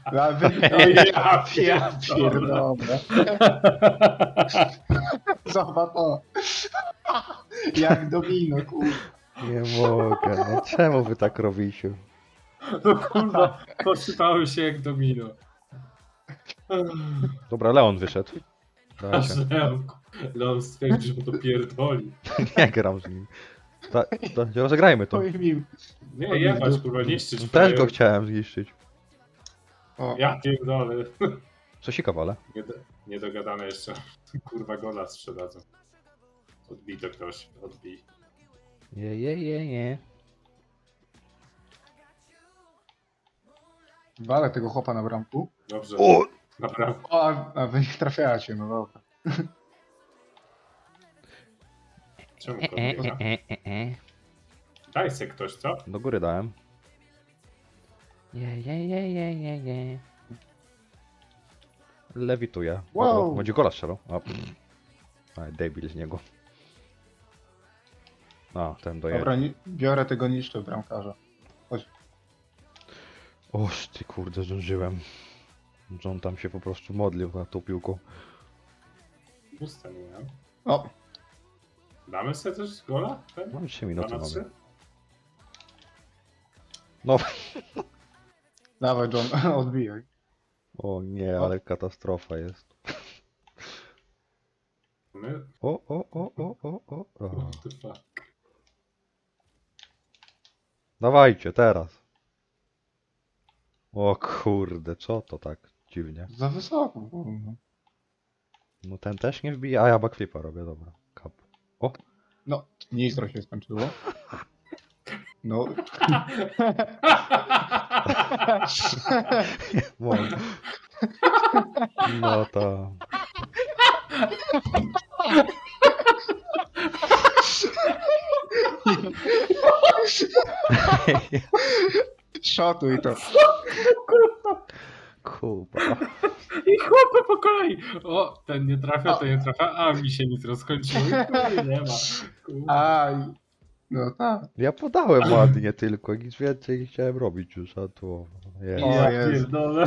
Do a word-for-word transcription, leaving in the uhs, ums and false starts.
Nawet O ja ja pierdolę. pierdolę. Zobacz to. Jak domino, kurwa. Nie mogę, no czemu wy tak robicie? No kurwa, posypały się jak domino. Dobra, Leon wyszedł. Aż Dajcie. Leon, Leon stwierdził, że to pierdoli. Nie gram z nim. Ta, ta, rozegrajmy to. Oj mi. Nie, jebać kurwa, niszczyć. Też frajerów. go chciałem zniszczyć. O, Ja pierdolę. Cosika wale. Nie do, niedogadane jeszcze. Kurwa gola sprzedadzą. Odbij to ktoś, odbij. Je, je, je, je. walę tego chłopa na bramku. Dobrze, O! naprawdę. O, a, a wy nie trafiacie, no dobra. Czemu E, to e, nie e, e, e. Daj se ktoś, co? Do góry dałem. Je, je, je, je, je, je. Lewituje. Wow. O, będzie gola strzelał. A, Aj, debil z niego. A, ten dojedzie. Dobra, ni- biorę tego niszczę bramkarza. Oż ty kurde, zdążyłem. Że on tam się po prostu modlił na tą piłką. Puste nie miałem. O, Damy sobie też gola? Ten? No i trzy Dwa minuty na mamy. trzy? No, dawaj John, odbijaj. o nie, ale katastrofa jest. My? O, o, o, o, o, o. o. What the fuck? Dawajcie, teraz. O kurde, co to tak dziwnie? Za wysoko. kurwa. No ten też nie wbija, a ja backflipa robię, dobra. Kap. O, No, nitro się skończyło. No, mogę. No to... szotuj to. Kuba. I chłopy po kolei! O, ten nie trafia, ten nie trafia, a mi się nitro skończyło. I chuj, nie ma. Kurwa. Aj. No tak. Ja podałem ładnie tylko, nic więcej nie chciałem robić już, a tu... Jest. O Ja Jezu. pierdolę.